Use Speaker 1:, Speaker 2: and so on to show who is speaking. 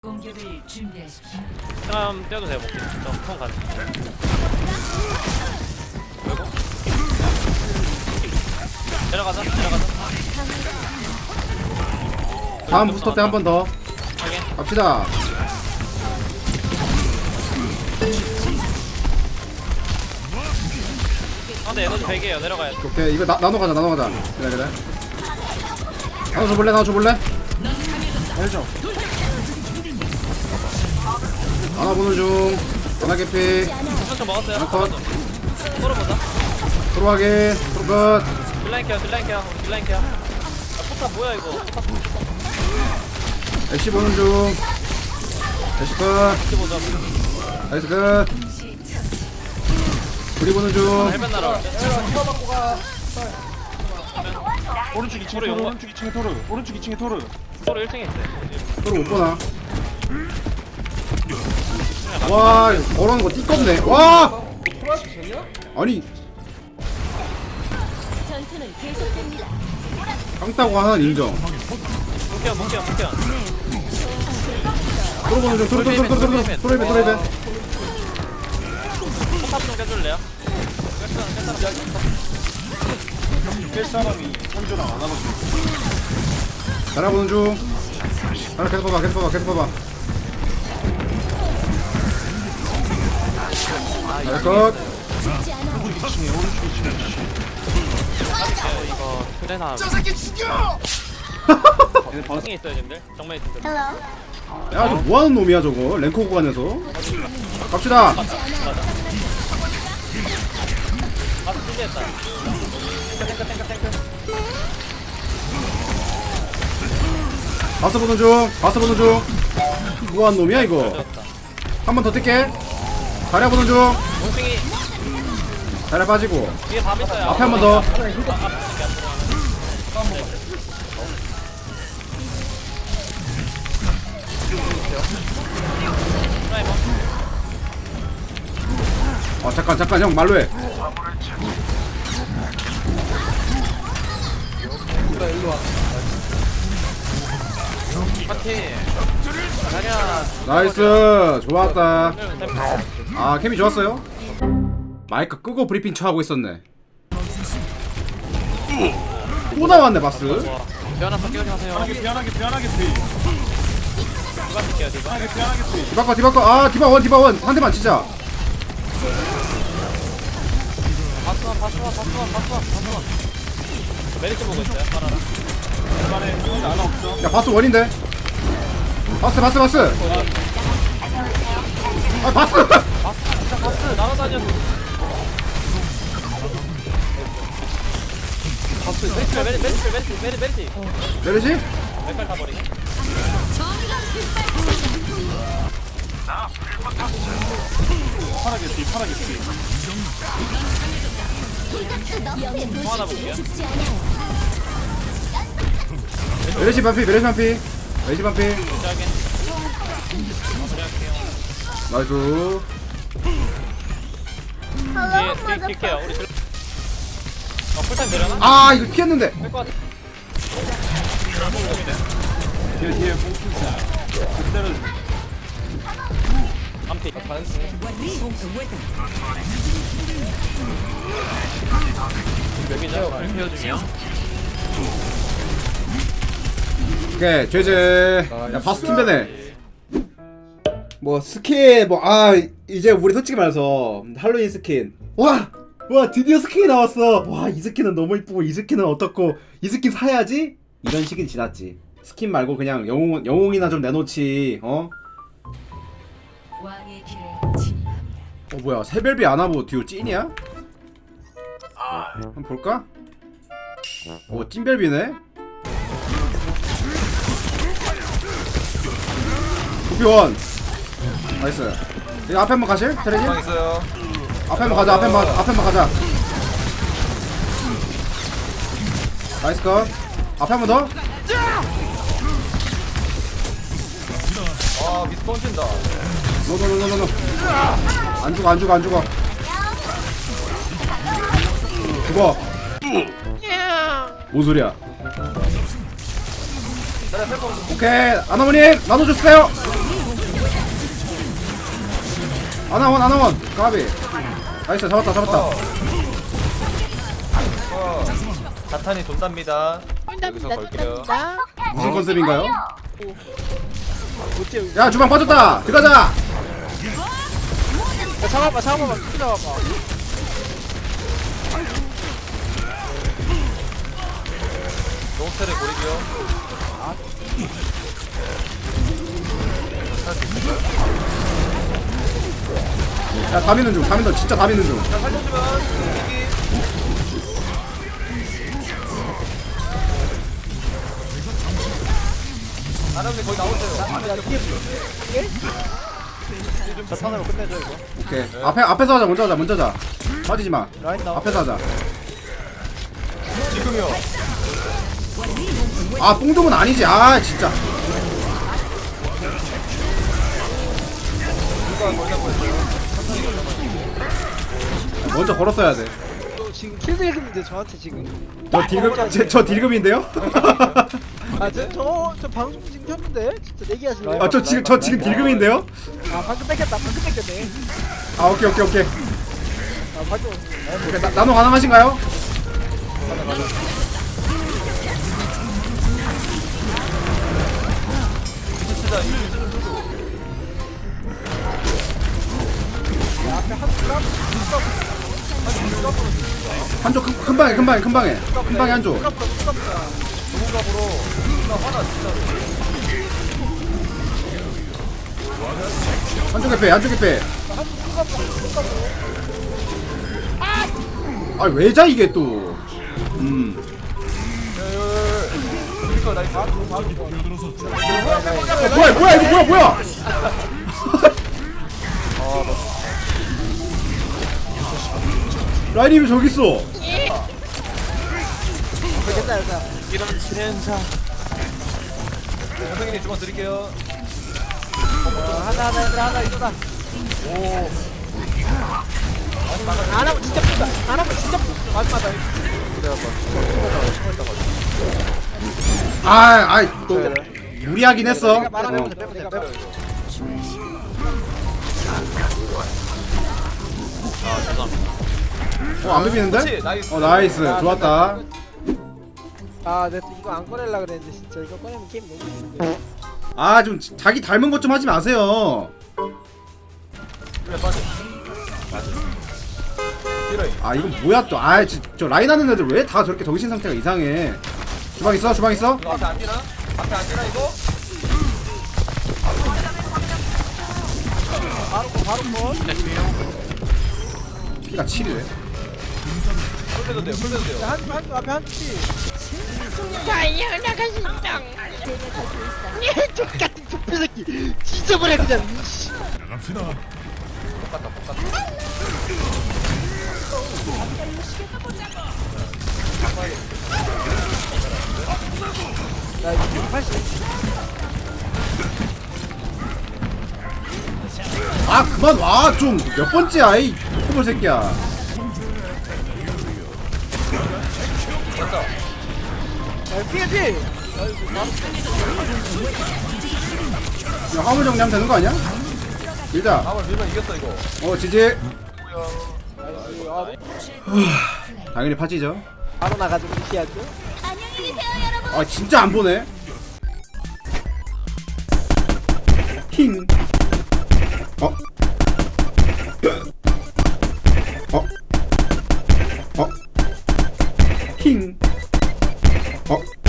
Speaker 1: 공격을 준비하십시오.
Speaker 2: 사람 떼도 돼요. 먹기. 저통 가는. 그리고 내려가자.
Speaker 3: 다음 부스터 때 한 번 더
Speaker 2: 확인.
Speaker 3: 갑시다.
Speaker 2: 상대 에너지 100이에요. 내려가야 돼.
Speaker 3: 오케이 이거 나눠 가자. 그래. 나눠 줘볼래?
Speaker 4: 알죠?
Speaker 3: 나눠 보는 중. 하나 개피.
Speaker 2: 좀 먹었어요.
Speaker 3: 하나 컷.
Speaker 2: 서로 보자.
Speaker 3: 들어가게. 들어가.
Speaker 2: 딜라인 케어. 아, 포탑 뭐야 이거? 포탑
Speaker 3: 애쉬 보는 중. 애쉬 컷.
Speaker 2: 보자.
Speaker 3: 나이스 컷. 불이 보는 중.
Speaker 2: 헬멧 날아.
Speaker 4: 오른쪽 2층에 토르, 오른쪽 2층에 토르.
Speaker 2: 서로 1층에 있대.
Speaker 3: 서로 못 보나? 와, 걸어오는 거 띠껍네. 와! 아니,
Speaker 5: 전투는 계속됩니다.
Speaker 3: 깡따고 하나는 인정.
Speaker 2: 목표.
Speaker 3: 들어보는 중, 들어이벤.
Speaker 2: 포탑 좀 깨줄래요?
Speaker 4: 깰 사람이 한조랑 안 하거든.
Speaker 3: 날아보는 중. 하나 계속 봐봐. 나이스 컷.
Speaker 5: 죽지 않아.
Speaker 4: 오른쪽 2층에.
Speaker 2: 이거 트레나.
Speaker 4: 얘네 바로
Speaker 2: 2층에 있어요, 님들. 정면 있어.
Speaker 3: 야, 저 뭐하는 놈이야, 저거? 랭커 구간에서. 갑시다.
Speaker 2: 아, 준비했다.
Speaker 3: 바스 보는 중. 뭐하는 놈이야, 이거?
Speaker 2: 되었다.
Speaker 3: 한 번 더 뛸게. 다리 보는 중.
Speaker 2: 몽둥이
Speaker 3: 다리 빠지고.
Speaker 2: 뒤에 밥 있어요.
Speaker 3: 앞에 한 번 더. 잠깐, 형, 말로 해.
Speaker 2: 파티. 가냐.
Speaker 3: 나이스. 좋았다. 아, 케미 좋았어요? 마이크 끄고 브리핑 처하고 있었네. 또 나왔네, 바스.
Speaker 2: 변화서 끼우지 마세요.
Speaker 4: 피하게 피.
Speaker 2: 누가 쓸게요, 누가?
Speaker 4: 피하게 피.
Speaker 3: 디바커. 아, 디바원. 한 대만 치자.
Speaker 2: 바스원. 메리트 보고 있어요, 파라라.
Speaker 4: 중간에 하나 없어.
Speaker 3: 야, 바스 원인데. 바스. 아, 바스.
Speaker 2: 바스, 날아다녀. 메리트.
Speaker 3: 내리지?
Speaker 2: 맥갈 타버리게.
Speaker 4: 파랗게 피.
Speaker 5: 영의
Speaker 2: 하나
Speaker 5: 도시지
Speaker 2: 볼게요.
Speaker 5: 죽지 않아요.
Speaker 3: 메르시 반피.
Speaker 2: 시작해.
Speaker 3: 나이스.
Speaker 2: 뒤에 뛸게요. 우리 들. 풀타임 되려나?
Speaker 3: 아, 이거 피했는데.
Speaker 2: 뺄것 같아.
Speaker 4: 뒤에 뽕킹사. 그대로
Speaker 2: 암피. 여기죠? 리페어 중이요?
Speaker 3: 오케이, 제제. 야, 바스 팀배네. 뭐 스킨 이제 우리 솔직히 말해서 할로윈 스킨 와 드디어 스킨이 나왔어. 와, 이 스킨은 너무 이쁘고 이 스킨은 어떻고 이 스킨 사야지 이런 시기 지났지. 스킨 말고 그냥 영웅이나 좀 내놓지.
Speaker 1: 왕의 길에 진입합니다.
Speaker 3: 뭐야, 새별비 안 하고 듀오 찐이야? 한번 볼까? 찐별비네. 도피원 나이스. 이거 앞에 한번 가실? 테레지?
Speaker 4: 있어요.
Speaker 3: 앞에 한번 가자. 나이스 컷. 앞에 한번 더.
Speaker 4: 아 미스 던진다.
Speaker 3: 노. 안 죽어. 죽어. 뭔 소리야? 오케이, 아나모님 나눠주세요. 아나원 까비. 나이스 잡았다.
Speaker 2: 자탄이 돈답니다. 여기서 걸게요.
Speaker 3: 무슨 컨셉인가요?
Speaker 6: 어째
Speaker 3: 야 주방 빠졌다. 들어가자.
Speaker 6: 야 잡아봐 잡아봐
Speaker 2: 노스를 고르기요.
Speaker 3: 야 다 미는 중. 진짜 다 미는 중.
Speaker 2: 자, 살려주면 이기. 아나운서 거의 나오세요.
Speaker 6: 야 이게 자탄으로 끝내줘 이거
Speaker 3: 오케이. 앞에서 하자. 먼저 하자. 빠지지 마.
Speaker 6: 라인 나와
Speaker 3: 앞에서 하자.
Speaker 2: 지금요.
Speaker 3: 아 뽕dum은 아니지. 아 진짜. 먼저 걸었어야 돼.
Speaker 6: 너 지금 킬드했는데 저한테 지금
Speaker 3: 저 딜금인데요?
Speaker 6: 아저 방송 지금 켰는데 진짜 내기하실래요?
Speaker 3: 아 저 지금 딜금인데요?
Speaker 6: 아 방금 뺏겼네
Speaker 3: 아 오케이.
Speaker 6: 아 방금
Speaker 3: 오케이 나노 가능하신가요? 한조 금방에 한조.
Speaker 2: 전문가보로 나 화나 진짜로.
Speaker 3: 한조 개패. 아 왜자 이게 또.
Speaker 2: 그러니까 나 이거
Speaker 3: 뭐야 이거 뭐야? 라인이 왜 저기 있어?
Speaker 6: 뺏겼다 여자
Speaker 2: 이런 진행사. 선생님 주문 드릴게요.
Speaker 6: 하나 이거다 안 하면 진짜 푼다 안 하면 진짜 푼다 마지막다
Speaker 3: 또 무리하긴 했어.
Speaker 6: 내가 말하면 내가
Speaker 3: 안 비비는데?
Speaker 2: 그렇지, 나이스.
Speaker 3: 나이스. 좋았다.
Speaker 6: 아 내가 또 이거 안 꺼내려 그랬는데 진짜 이거 꺼내면 게임 너무 재밌는데
Speaker 3: 아 좀 자기 닮은 것 좀 하지 마세요.
Speaker 2: 그래 빠져. 딜러이.
Speaker 3: 아 이건 뭐야 또. 저 라인 하는 애들 왜 다 저렇게 정신 상태가 이상해. 주방 있어?
Speaker 2: 이거 앞에 안 뛰나? 앞에 안 뛰나 이거?
Speaker 6: 바로 뭐
Speaker 3: 피가 7이래.
Speaker 2: 풀려도 돼요.
Speaker 6: 한쪽 앞에 한쪽이 똑같은 족배 새끼 지저분해 그냥 나 이거 80
Speaker 3: 아 그만 와 좀. 몇 번째야 이 코볼 새끼야.
Speaker 6: 야 피해
Speaker 3: 야 화물 정리하면 되는 거 아니야? 밀자.
Speaker 2: 아마 밀면 이겼어 이거.
Speaker 3: 지지.
Speaker 6: 아,
Speaker 3: 당연히 파지죠.
Speaker 6: 바로 나가지고 피하죠
Speaker 5: 안녕히 계세요, 여러분.
Speaker 3: 아 진짜 안 보네. 힝. 힝.